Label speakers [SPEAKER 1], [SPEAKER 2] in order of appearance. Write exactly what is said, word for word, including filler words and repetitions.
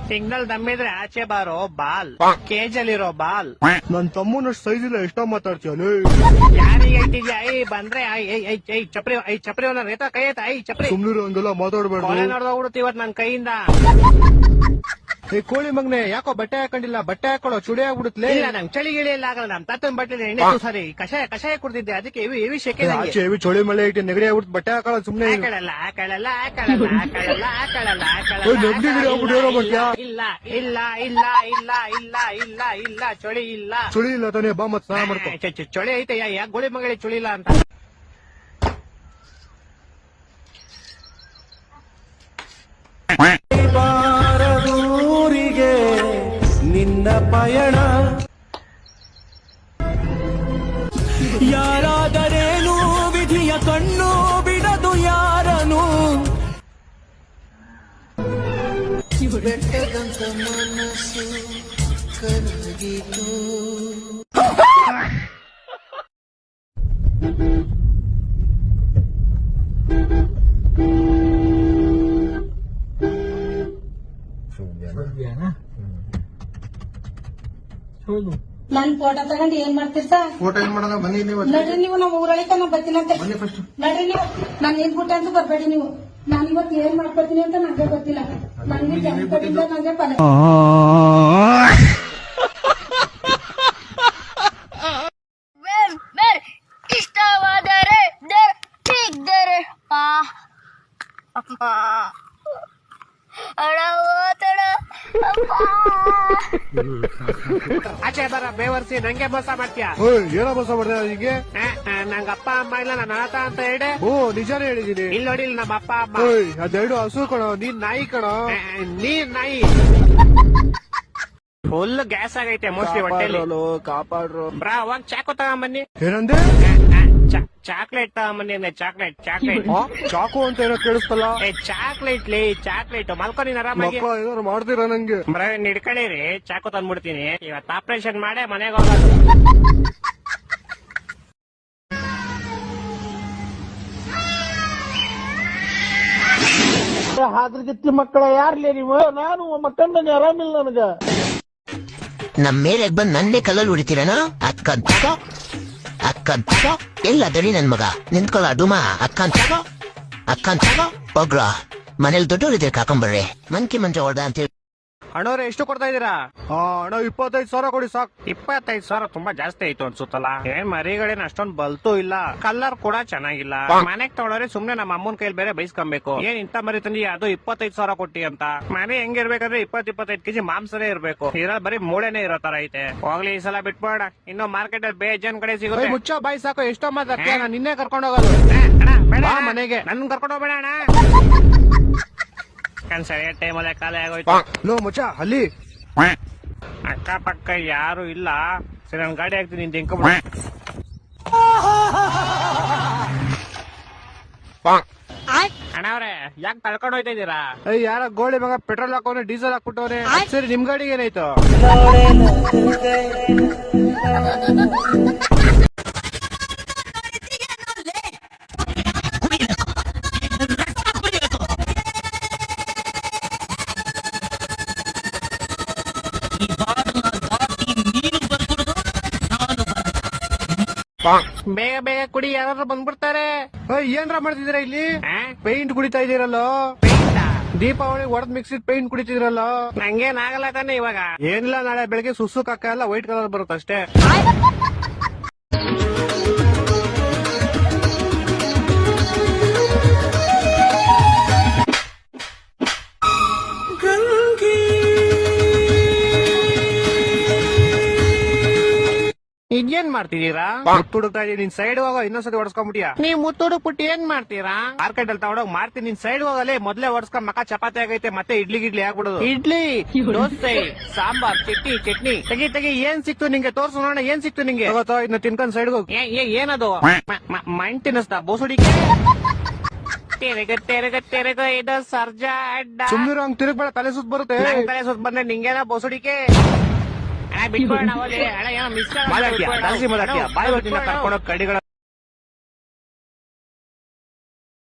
[SPEAKER 1] Signal ದಮ್ಮಿದ್ರೆ ಆಚೆ ಬಾರೋ ball ಕೇಜಲ್ಲಿರೋ ball.
[SPEAKER 2] ನನ್ ತಮ್ಮನಷ್ಟು ಸೈಜ್ ಇಲ್ಲ ಎಷ್ಟೋ ಮಾತಾಡ್ತೀಯ
[SPEAKER 1] ಯಾರಿಗೆ ಐತಿದ್ಯಾ? ಐ ಬಂದ್ರೆ ಐ ಐ ಐ ಐ ಚಪ್ರಿ ಐ ಚಪ್ರಿ ಅವನ ರೇತ ಕೈ ಐತ ಐ ಚಪ್ರಿ
[SPEAKER 2] ಸುಮ್ನಿರು ಹಂಗೆಲ್ಲ ಮಾತಾಡ್ಬೇಡ.
[SPEAKER 1] ಕೊಲೆ ನೋಡ್ದೋಗ್ಬಿಡುತ್ತೆ ಇವತ್ ನನ್ ಕೈಯಿಂದ.
[SPEAKER 2] ಏ ಕೋಳಿ ಮಗ್ನೆ ಯಾಕೋ ಬಟ್ಟೆ ಹಾಕೊಂಡಿಲ್ಲ, ಬಟ್ಟೆ ಹಾಕೊಳ್ಳೋ ಚುಡಿ ಆಗ್ಬಿಡುತ್ತಲೇ.
[SPEAKER 1] ಇಲ್ಲ ನಂಗೆ ಚಳಿ ಗಿಳಿ ಎಲ್ಲ ಆಗಲ್ಲ. ನಮ್ ತಾತನ್ ಬಟ್ಟೆ ಎಣ್ಣೆ ಸಾರಿ ಕಷಾಯ ಕಷಾಯ ಕುಡ್ದಿದ್ದೆ ಅದಕ್ಕೆ ಇವಿ ಇವಿ ಶೆಕೆ.
[SPEAKER 2] ಆಚೆ ಇವಿ ಚಳಿ ಮಳೆ ಇಟ್ಟು ನೆಗಡಿ ಆಗ್ಬಿಟ್ಟು ಬಟ್ಟೆ ಹಾಕೊಳ್ಳೋ ಸುಮ್ನೆ.
[SPEAKER 1] ಹಾಕಳಲ್ಲ ಹಾಕಳಲ್ಲ ಹಾಕಳಲ್ಲ ಹಾಕಳಲ್ಲ ಹಾಕಳಲ್ಲ
[SPEAKER 2] ನೆಗಡಿ ಗಿಡಿ ಆಗ್ಬಿಟ್ಟು ಏನೋ ಮಾಡ್ತೀಯಾ?
[SPEAKER 1] ಇಲ್ಲ ಇಲ್ಲ ಇಲ್ಲ ಇಲ್ಲ ಇಲ್ಲ ಇಲ್ಲ ಇಲ್ಲ ಚಳಿ ಇಲ್ಲ
[SPEAKER 2] ಚಳಿ ಇಲ್ಲ ತಾನೇ ಬಾ ಮತ್ ಸ್ನಾನ ಮಾಡ್ಕೊ.
[SPEAKER 1] ಚ- ಚ- ಚಳಿ ಐತೆ ಯಾಕೆ ಗೋಳಿ ಮಗಳಿ ಚಳಿ ಇಲ್ಲ ಅಂತ.
[SPEAKER 3] ಬಾರದೂರಿಗೆ ನಿನ್ನ ಪಯಣ ಯಾರಾದರೇನು ವಿಧಿಯ ಕಣ್ಣು ಬಿಡದು ಯಾರನು ಬೆಟ್ಟದಂತ ಮನಸ್ಸು ಕರಗಿತು.
[SPEAKER 4] ನನ್ ಫೋಟೋ ತಗೊಂಡು ಏನ್ ಮಾಡ್ತೀರಿ ಸರ್?
[SPEAKER 2] ಫೋಟೋ ಏನ್ ಮಾಡೋಣ ಬನ್ನಿ ನೀವು.
[SPEAKER 4] ನಡ್ರಿ ನೀವು ನಮ್ಮ ಊರೊಳಗೆ ನಾ ಬರ್ತೀನಂತೆ.
[SPEAKER 2] ಬನ್ನಿ ಫಸ್ಟ್.
[SPEAKER 4] ನಡ್ರಿ ನೀವು ನಾನು ಏನ್ ಬಿಟ್ಟ ಅಂತ ಬರ್ಬೇಡಿ ನೀವು. ನಾನು ಇವತ್ತು ಏನ್ ಮಾಡ್ಕೊತೀನಿ ಅಂತ ನಂಗೆ ಗೊತ್ತಿಲ್ಲ. ನಂಗೆ ಜನ ಕೊಟ್ಟಿದ್ದ ನಂಗೆ ಫಲ.
[SPEAKER 5] ಇಷ್ಟವಾದರೆ ಸಿಗ್ದರೆ
[SPEAKER 1] ಆಚೆ ಬರ ಬೇವರ್ಸಿ ನಂಗೆ ಮೋಸ ಮಾಡ್ತೀಯಾ?
[SPEAKER 2] ಏನೋ ಮೋಸ ಮಾಡ್ದೆ ಹೀಗೆ?
[SPEAKER 1] ನಂಗ ಅಪ್ಪ ಅಮ್ಮ ಇಲ್ಲ ನಾನು ಅನಾಥ ಅಂತ ಹೇಳಿ.
[SPEAKER 2] ಓ ನಿಜಾನೇ ಹೇಳಿದೀನಿ.
[SPEAKER 1] ಇಲ್ಲಿ ನೋಡಿ ನಮ್ಮ ಅಪ್ಪ ಅಮ್ಮ.
[SPEAKER 2] ಓಯ್ ಅದೆರಡು ಹಸು ಕಣೋ, ನೀನ್ ನಾಯಿ ಕಣೋ.
[SPEAKER 1] ಆ, ನೀರ್ ನಾಯಿ ಫುಲ್ ಗ್ಯಾಸ್ ಆಗೈತೆ ಮೋಸ್ಟ್ಲಿ ಹೊಟ್ಟೆಲಿ.
[SPEAKER 2] ಕಾಪಾಡ್ರು.
[SPEAKER 1] ಬ್ರಾ ಅವಾಗ ಚಾಕು ತಗೊಂಬನ್ನಿ.
[SPEAKER 2] ಏನಂದೆ?
[SPEAKER 1] ಚಾಕ್ಲೇಟ್ ತಗೊಂಬನ್ನಿ. ಚಾಕ್ಲೇಟ್ ಚಾಕ್ಲೇಟ್
[SPEAKER 2] ಚಾಕು ಅಂತ ಏನೋ ಕೇಳಿಸ್ತಲ್ಲ.
[SPEAKER 1] ಏ ಚಾಕ್ಲೇಟ್ ಲೇ ಚಾಕ್ಲೇಟ್ ಮಲ್ಕೊ ನೀನ್ ಆರಾಮಾಗಿ.
[SPEAKER 2] ಮಕ್ಕಳ ಏನಾರು ಮಾಡ್ತೀರಾ ನಂಗೆ?
[SPEAKER 1] ಬ್ರಾ ಹಿಡ್ಕೊಳ್ಳಿರಿ ಚಾಕು ತಂದ್ಬಿಡ್ತೀನಿ. ಇವತ್ತು ಆಪರೇಷನ್ ಮಾಡೇ ಮನೆಗೆ ಹೋಗೋದು.
[SPEAKER 3] ಹಾದ್ರಗಿತ್ತಿ ಮಕ್ಕಳ ಯಾರ್ಲೇ ನೀವು? ನಾನು ಮಕ್ಕಂಡನೆ ಆರಾಮಿಲ್ಲ ನನಗ.
[SPEAKER 6] ನಮ್ ಮೇಲೆ ಬಂದ್ ನನ್ನೇ ಕಲ್ಲಲ್ಲಿ ಹೊಡಿತೀರನ? ಅಕ್ಕನ್ ತಗೋ ಅಕ್ಕನ್ ತಗೋ ಎಲ್ಲ ದಡಿ ನನ್ ಮಗ ನಿಂತ್ಕೊಳ್ಳ ಡುಮ. ಅಕ್ಕನ್ ತಗೋ ಅಕ್ಕನ್ ತಗೋ ಹೋಗ್ರ ಮನೇಲಿ ದೊಡ್ಡವರಿದ್ರೆ ಕಾಕೊಂಬರ್ರಿ ಮಂಕಿ ಮಂಜ ಹೊಡ್ದ ಅಂತೇಳಿ.
[SPEAKER 1] ಅಣ್ಣವ್ರೆ ಎಷ್ಟು ಕೊಡ್ತಾ ಇದೀರಾ?
[SPEAKER 2] ಹಾ ಅಣ್ಣ ಇಪ್ಪತ್ತೈದು ಸಾವಿರ ಕೊಡಿ ಸಾಕು.
[SPEAKER 1] ಇಪ್ಪತ್ತೈದು ಸಾವಿರ ತುಂಬಾ ಜಾಸ್ತಿ ಆಯ್ತು ಅನ್ಸುತ್ತಲ್ಲ. ಏನ್ ಮರಿಗಳೇನ್ ಅಷ್ಟೊಂದ್ ಬಲ್ತು ಇಲ್ಲ, ಕಲರ್ ಕೂಡ ಚೆನ್ನಾಗಿಲ್ಲ. ಮನೆಗ್ ತಗೊಳೋರೆ ಸುಮ್ನೆ ನಮ್ಮ ಅಮ್ಮನ ಕೈಲಿ ಬೇರೆ ಬೈಸ್ಕೊಬೇಕು. ಏನ್ ಇಂತ ಮರಿ ತಂದಿ ಅದು ಇಪ್ಪತ್ತೈದು ಸಾವಿರ ಕೊಟ್ಟಿ ಅಂತ. ಮನೆ ಹೆಂಗಿರ್ಬೇಕಂದ್ರೆ ಇಪ್ಪತ್ ಇಪ್ಪತ್ತೈದು ಕೆಜಿ ಮಾಂಸನೇ ಇರ್ಬೇಕು. ಇರೋ ಬರೀ ಮೂಳೆನೆ ಇರೋ ತರ ಐತೆ. ಹೋಗ್ಲಿ ಈ ಸಲ ಬಿಟ್ಬೇಡ, ಇನ್ನು ಮಾರ್ಕೆಟ್ ಅಲ್ಲಿ ಬೇಜನ್ ಕಡೆ ಸಿಗುತ್ತೆ.
[SPEAKER 2] ಮುಚ್ಚ ಬಾಯಿ ಸಾಕು. ಎಷ್ಟೋ ಮಾತಾಡ್ತೀಯ? ನಾನು ನಿನ್ನೆ ಕರ್ಕೊಂಡು ಹೋಗೋದು
[SPEAKER 1] ಬೇಡ
[SPEAKER 2] ಬಾ ಮನೆಗೆ.
[SPEAKER 1] ನನ್ ಕರ್ಕೊಂಡು ಹೋಗ್ಬೇಡ ಅಣ್ಣ. ಸರಿಯಾದ ಟೈಮಲ್ಲೇ ಖಾಲಿ ಆಗೋಯ್ತು.
[SPEAKER 2] ಲೋ ಮುಚ್ಚ ಅಲ್ಲಿ
[SPEAKER 1] ಅಕ್ಕ ಪಕ್ಕ ಯಾರು ಇಲ್ಲ. ಸರಿ ನನ್ ಗಾಡಿ ಹಾಕ್ತೀನಿ ನಿಂತ ಹೆಂಕ ಅಣ್ಣವ್ರೆ ಯಾಕೆ ಕಳ್ಕೊಂಡು ಹೋಯ್ತಾ ಇದೀರಾ?
[SPEAKER 2] ಏಯ್ ಯಾರ ಗೋಳಿ ಮಗ ಪೆಟ್ರೋಲ್ ಹಾಕೋನೆ ಡೀಸೆಲ್ ಹಾಕ್ಬಿಟ್ಟವ್ರೆ. ಸರಿ ನಿಮ್ ಗಾಡಿಗೆ ಏನಾಯ್ತು?
[SPEAKER 1] ಬೇಗ ಬೇಗ ಕುಡಿ ಯಾರು ಬಂದ್ಬಿಡ್ತಾರೆ.
[SPEAKER 2] ಏನ್ರ ಮಾಡ್ತಿದ್ದೀರಾ ಇಲ್ಲಿ?
[SPEAKER 1] ಆ?
[SPEAKER 2] ಪೇಂಟ್ ಕುಡಿತಾ ಇದೀರಲ್ಲ.
[SPEAKER 1] ಪೇಂಟಾ?
[SPEAKER 2] ದೀಪಾವಳಿ ಒಡದ್ ಮಿಕ್ಸಿಡ್ ಪೇಂಟ್ ಕುಡಿತಿದ್ರಲ್ಲ.
[SPEAKER 1] ನಂಗೇನ್ ಆಗಲ್ಲ ತಾನೆ ಇವಾಗ.
[SPEAKER 2] ಏನಿಲ್ಲ, ನಾಳೆ ಬೆಳಗ್ಗೆ ಸುಸು ಕಕ್ಕ ಎಲ್ಲ ವೈಟ್ ಕಲರ್ ಬರುತ್ತೆ ಅಷ್ಟೇ.
[SPEAKER 1] ಇದೇನ್ ಮಾಡ್ತಿದೀರಾ?
[SPEAKER 2] ಮುತ್ತುಡುಕ್ತಾ ಇದೀನಿ. ನಿನ್ ಸೈಡ್ ಹೋಗೋ, ಇನ್ನೊಂದ್ಸತಿ ಹೊಡ್ಸ್ಕೊಂಡ್ಬಿಟ್ಟಿಯಾ?
[SPEAKER 1] ನೀವ್ ಮುತ್ತುಡು ಪುಟ್ಟಿ ಏನ್ ಮಾಡ್ತೀರಾ?
[SPEAKER 2] ಮಾರ್ಕೆಟ್ ಅಲ್ಲಿ ತಗೊಂಡೋಗ್ ಮಾರ್ತೀನಿ. ನಿನ್ ಸೈಡ್ ಹೋಗಲೇ ಮೊದ್ಲೇ ಹೊಡ್ಸ್ಕೊಂಡ್ ಮಕ ಚಪಾತಿ ಆಗೈತೆ, ಮತ್ತೆ ಇಡ್ಲಿ ಗಿಡ್ಲಿ ಆಗ್ಬಿಡೋದು.
[SPEAKER 1] ಇಡ್ಲಿ ದೋಸೆ ಸಾಂಬಾರ್ ಚಟ್ನಿ ಚಟ್ನಿ
[SPEAKER 2] ತೆಗಿ ತೆಗಿ ಏನ್ ಸಿಕ್ತು ನಿಂಗೆ? ತೋರ್ಸು ನೋಡೋಣ ಏನ್ ಸಿಕ್ತು ನಿಂಗೆ. ತಗೋತೋ ಇದನ್ನ ತಿನ್ಕೊಂಡ್ ಸೈಡ್ ಹೋಗಿ.
[SPEAKER 1] ಏ- ಏ- ಏನದು ಮೈಂಡ್ ತಿನ್ನಿಸ್ತಾ ಬೋಸುಡಿಗೆ? ತೆರೆಗ ತೆರೆಗ ತೆರೆಗ ಇದು ಸರ್ಜಾ ಅಡ್ಡ.
[SPEAKER 2] ಸುಮ್ನಿರೋ, ಹಂಗ್ ತಿರುಗ್ಬೇಡ, ತಲೆ ಸುತ್ತ ಬರುತ್ತೆ.
[SPEAKER 1] ನಂಗ್ ತಲೆ ಸುತ್ತ ಬಂದ್ರೆ ನಿಂಗೇನ ಬೋಸುಡಿಕೆ? ಬಿಟ್ಬೋಣ ಅಣ್ಣ, ಏನೋ ಮಿಸ್
[SPEAKER 2] ಮಾತಾಡ್ತೀಯ ಜಾಸ್ತಿ ಮಾತಾಡ್ತೀಯ. ಬಾಯ್ ಬರ್ತೀನಿ ಕರ್ಕೊಂಡೋಗ್ ಕಡಿಗಳ